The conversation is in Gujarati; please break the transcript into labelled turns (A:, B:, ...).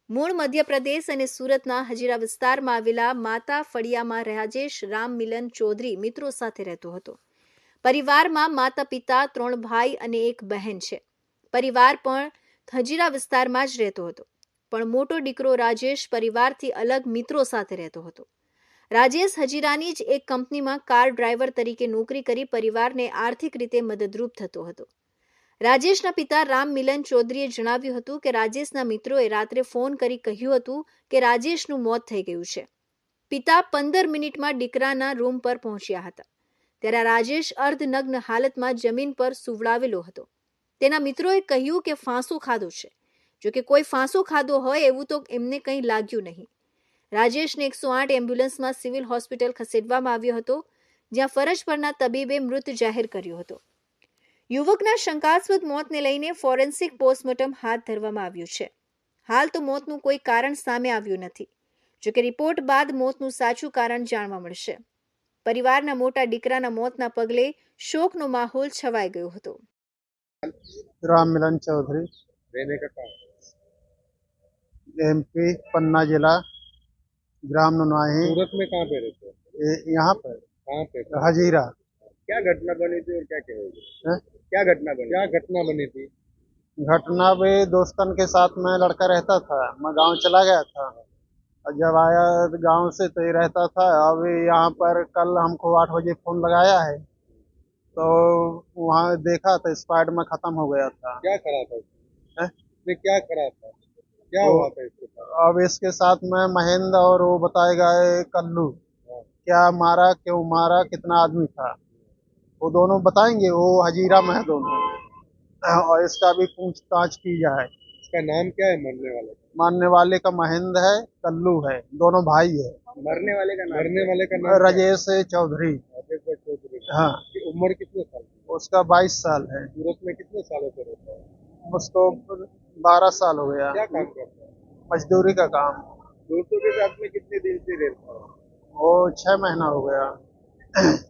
A: મૂળ મધ્યપ્રદેશ અને સુરતના હજીરા વિસ્તારમાં આવેલા માતા ફળિયામાં રાજેશ રામ મિલન ચૌધરી મિત્રો સાથે રહેતો હતો. પરિવારમાં માતા પિતા, 3 ભાઈ અને 1 બહેન છે. પરિવાર પણ હજીરા વિસ્તારમાં જ રહેતો હતો, પણ મોટો દીકરો રાજેશ પરિવારથી અલગ મિત્રો સાથે રહેતો હતો. રાજેશ હજીરાની જ એક કંપનીમાં કાર ડ્રાઈવર તરીકે નોકરી કરી પરિવારને આર્થિક રીતે મદદરૂપ થતો હતો. રાજેશના પિતા રામ મિલન ચૌધરીએ જણાવ્યું હતું કે રાજેશના મિત્રોએ રાત્રે ફોન કરી કહ્યું હતું કે રાજેશનું મોત થઈ ગયું છે. પિતા 15 મિનિટમાં દીકરાના રૂમ પર પહોંચ્યા હતા. ત્યારે રાજેશ અર્ધનગ્ન હાલતમાં જમીન પર સુવડાવેલો હતો. તેના મિત્રોએ કહ્યું કે ફાંસો ખાધો છે. જોકે કોઈ ફાંસો ખાધો હોય એવું તો એમને કંઈ લાગ્યું નહીં. રાજેશને 108 એમ્બ્યુલન્સમાં સિવિલ હોસ્પિટલ ખસેડવામાં આવ્યો હતો, જ્યાં ફરજ પરના તબીબે મૃત જાહેર કર્યો હતો. યુવકના શંકાસ્પદ મોતને લઈને ફોરેન્સિક પોસ્ટમોર્ટમ હાથ ધરવામાં આવ્યું છે. હાલ તો મોતનું કોઈ કારણ સામે આવ્યું નથી. જોકે રિપોર્ટ બાદ મોતનું સાચું કારણ જાણવા મળશે. પરિવારના મોટા દીકરાના મોતના પગલે શોકનો માહોલ છવાઈ ગયો હતો.
B: राम मिलन चौधरी,
C: रहने का कहाँ?
B: MP पन्ना जिला, ग्राम नुनाही,
C: सूरत में कहाँ पे रहते हो?
B: यहाँ पर
C: कहाँ पे?
B: हजीरा
C: क्या घटना बनी थी और क्या कहोगे?
B: है?
C: क्या घटना बनी थी?
B: घटना भी दोस्तन के साथ में लड़का रहता था। मैं गांव चला गया था और जब आया गांव से तो ये रहता था। अभी यहाँ पर कल हमको 8 बजे फोन लगाया है तो वहाँ देखा तो स्पाइड में खत्म हो गया था।
C: क्या करा था उसने?
B: है?
C: उसने क्या करा था? क्या
B: तो
C: हुआ था इसके साथ?
B: अब इसके साथ में महेंद्र और वो बताएगा ये कल्लू,
C: हाँ।
B: क्या मारा, क्यों मारा, कितना आदमी था, वो दोनों बताएंगे। वो हजीरा में है दोनों, और इसका भी पूछताछ की जाए।
C: इसका नाम क्या है मरने वाले का?
B: मानने वाले का महेंद्र है, कल्लू है, दोनों भाई है।
C: मरने वाले का नाम
B: राजेश चौधरी।
C: राजेश चौधरी।
B: हाँ,
C: की उम्र कितने साल की?
B: उसका 22 साल है।
C: सूरत में कितने सालों से रहता है?
B: उसको 12 साल हो गया।
C: क्या काम करता है?
B: मजदूरी का काम।
C: दोस्तों के साथ में कितने दिन से रहता है?
B: वो 6 महीना हो गया।